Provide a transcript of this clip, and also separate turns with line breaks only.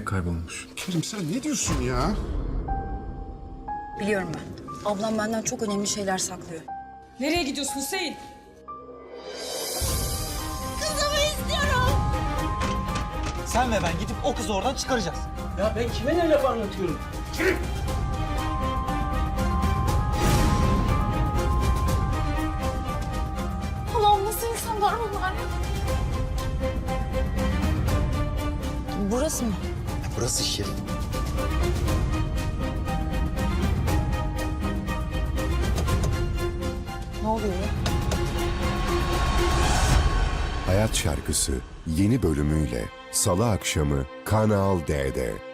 kaybolmuş.
Kerim sen ne diyorsun ya?
Biliyorum ben. Ablam benden çok önemli şeyler saklıyor.
Nereye gidiyorsun Hüseyin?
Sen ve ben gidip o kızı oradan çıkaracağız.
Ya ben kime ne laf anlatıyorum?
Allah'ım nasıl insanlar bunlar ya?
Burası mı?
Burası Şirin.
Ne oluyor ya?
Hayat Şarkısı yeni bölümüyle Salı akşamı Kanal D'de.